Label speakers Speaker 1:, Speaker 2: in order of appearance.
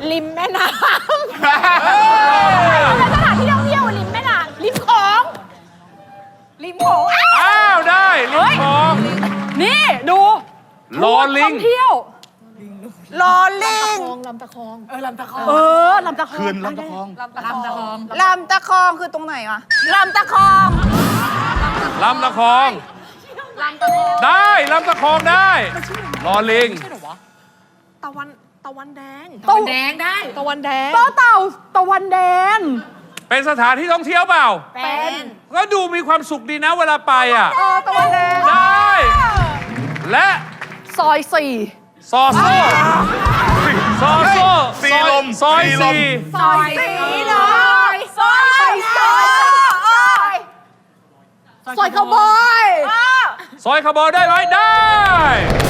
Speaker 1: ริมแม่น้ำเป็นสถานที่ท่องเที่ยวริมแม่น้ำริมโขง
Speaker 2: อ้าวได้ลิงคลอง
Speaker 1: นี่ดู
Speaker 2: ลอลิง
Speaker 1: ท่องเที่ยว
Speaker 3: ลอลิง
Speaker 1: ลำตะคอง
Speaker 3: ลำตะคอง
Speaker 1: ลำตะคอง
Speaker 4: คืนลำตะคอง
Speaker 3: ลำตะคองคือตรงไหนวะลำตะคอง
Speaker 2: ลำตะคองได้ลำตะคองได้ลอลิง
Speaker 1: ตะวันแดง
Speaker 3: ตะวันแดงได้
Speaker 1: ตะวันแดงต่อเต่าตะวันแดง
Speaker 2: เป็นสถานที่ท่องเที่ยวเปล่า
Speaker 3: เป็น
Speaker 2: ก็ดูมีความสุขดีนะเวลาไปอ่ะ
Speaker 1: ตะวันแดง
Speaker 2: ได้ และ
Speaker 1: ซอยสี่
Speaker 2: ซอโซ่ซอโซ่
Speaker 4: สีลม
Speaker 2: ซอย
Speaker 4: สีลม
Speaker 2: สี่
Speaker 3: ซอยสีเลยซอย
Speaker 1: ซอยขาวบอย
Speaker 2: ซอยคาร์บอนได้ไหมได้